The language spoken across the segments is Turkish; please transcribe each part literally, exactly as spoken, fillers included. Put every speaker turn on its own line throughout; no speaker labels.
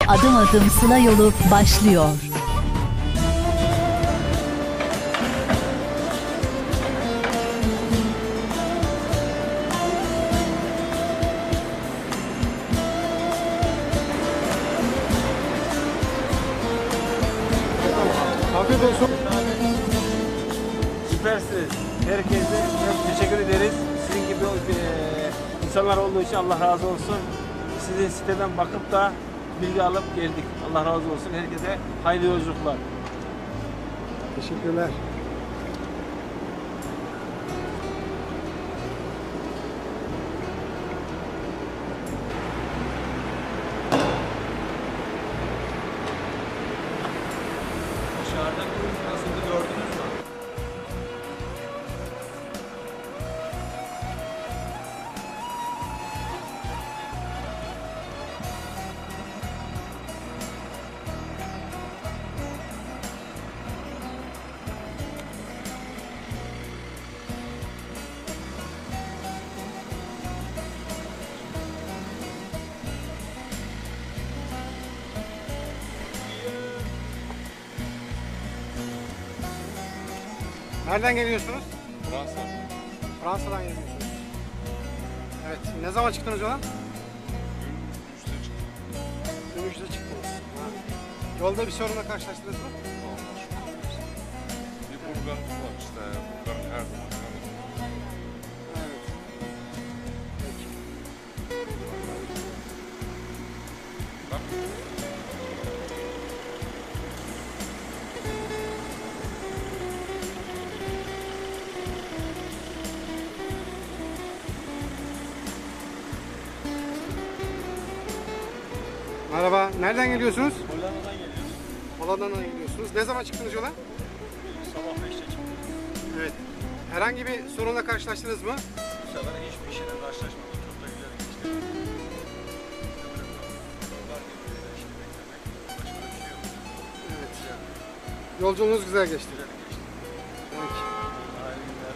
Adım adım Sıla yolu başlıyor.
Afiyet olsun.
Süpersiniz. Herkese çok teşekkür ederiz. Sizin gibi e, insanlar olduğu için Allah razı olsun. Sizin siteden bakıp da bilgi alıp geldik. Allah razı olsun. Herkese hayırlı yolculuklar.
Teşekkürler.
Dışarıda kurum nasıldı gördünüz mü?
Nereden geliyorsunuz?
Fransa.
Fransa'dan geliyorsunuz. Evet. Ne zaman çıktınız yola?
Üçte çıktı.
Dün üçte çıktınız. Ha. Yolda bir sorunla karşılaştınız mı?
Bir programımız var işte. Programın her zaman.
Evet. Peki.
Bak.
Merhaba. Nereden geliyorsunuz?
Hollanda'dan geliyoruz.
Hollanda'dan geliyorsunuz. Ne zaman çıktınız yola?
Sabah beşte çıktık.
Evet. Herhangi bir sorunla karşılaştınız mı?
Bu sefer hiçbir şeyle karşılaşmadık. Çok da güzel geçti. Yollar birbirine şimdi beklemek. Başka bir şey yok.
Evet.
Güzel.
Yolculuğunuz güzel geçti.
Güzel geçti.
Peki.
Hayırlı günler.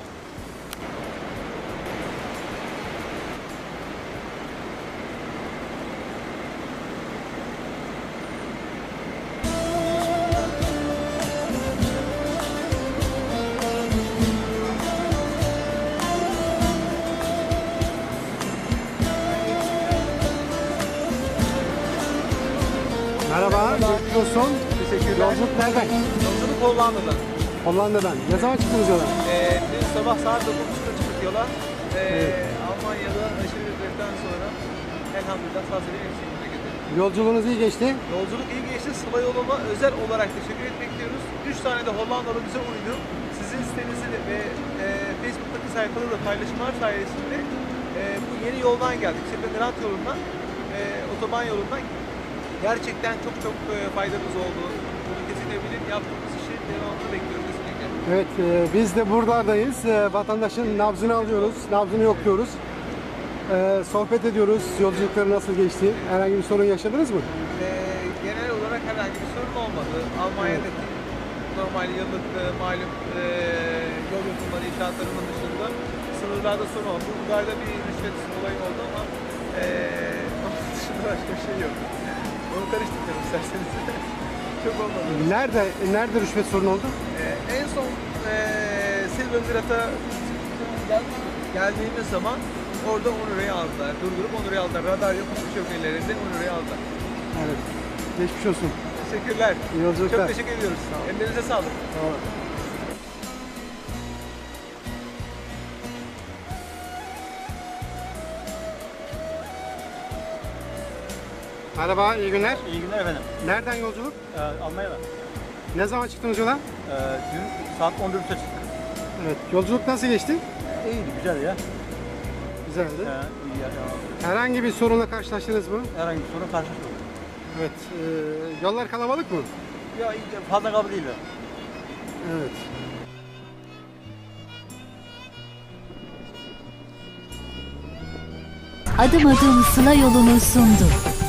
Merhaba. Geçmiş olsun.
Teşekkürler.
Yolculuk nereden?
Yolculuk Hollanda'dan.
Hollanda'dan. Ne zaman çıktınız yola?
Ee, dün sabah saat dokuz buçukta çıktık yola. Ee,
Evet.
Almanya'da aşırı ücretten sonra elhamdülillah sazeli bir şekilde getirdik.
Yolculuğunuz iyi geçti.
Yolculuk iyi geçti. Sıla yoluma özel olarak teşekkür etmek istiyoruz. Üç tane de Hollandalı bize uydu. Sizin sitenizi ve e, Facebook'taki sayfada da paylaşımlar sayesinde e, bu yeni yoldan geldik. Şimdi Grant yolundan, e, otoban yolundan gerçekten çok çok e, faydamız oldu. Bunu kesinlikle bilin. Yaptığımız işi devamını bekliyoruz kesinlikle.
Evet, e, biz de buradayız. E, vatandaşın nabzını alıyoruz, nabzını yokluyoruz. E, sohbet ediyoruz, yolculukları nasıl geçti? Herhangi bir sorun yaşadınız mı?
Ee, genel olarak herhangi bir sorun olmadı. Almanya'daki normal yıllık e, malum e, yol yapımları inşaatlarının dışında sınırlarda sorun oldu. Bulgar'da bir rüşvet olayı oldu ama e, onun dışında başka bir şey yok. Onu karıştırmayalım isterseniz. Çok olmadı.
Nerede, nerede rüşvet sorunu oldu?
E, en son e, Silvergrat'a geldiğimiz zaman orada on liraya aldılar. Durdurup on liraya aldılar. Radar yok, hiçbir şey yok ellerinde. on liraya aldılar.
Evet, geçmiş olsun.
Teşekkürler.
İyi yolculuklar.
Çok teşekkür ediyoruz. Ellerinize sağlık.
Sağ olun. Merhaba, iyi günler.
İyi günler efendim.
Nereden yolculuk?
Ee, Almanya'dan.
Ne zaman çıktınız yola?
Ee, dün saat on dörtte çıktık.
Evet, yolculuk nasıl geçti?
İyiydi, güzel ya.
Güzeldi.
Ee, iyi ya, ya.
Herhangi bir sorunla karşılaştınız mı?
Herhangi bir sorun karşılaşmadık.
Evet, e, yollar kalabalık mı?
Ya iyi, fazla kabul değil.
Evet.
Adım adım Sıla yolunu sundu.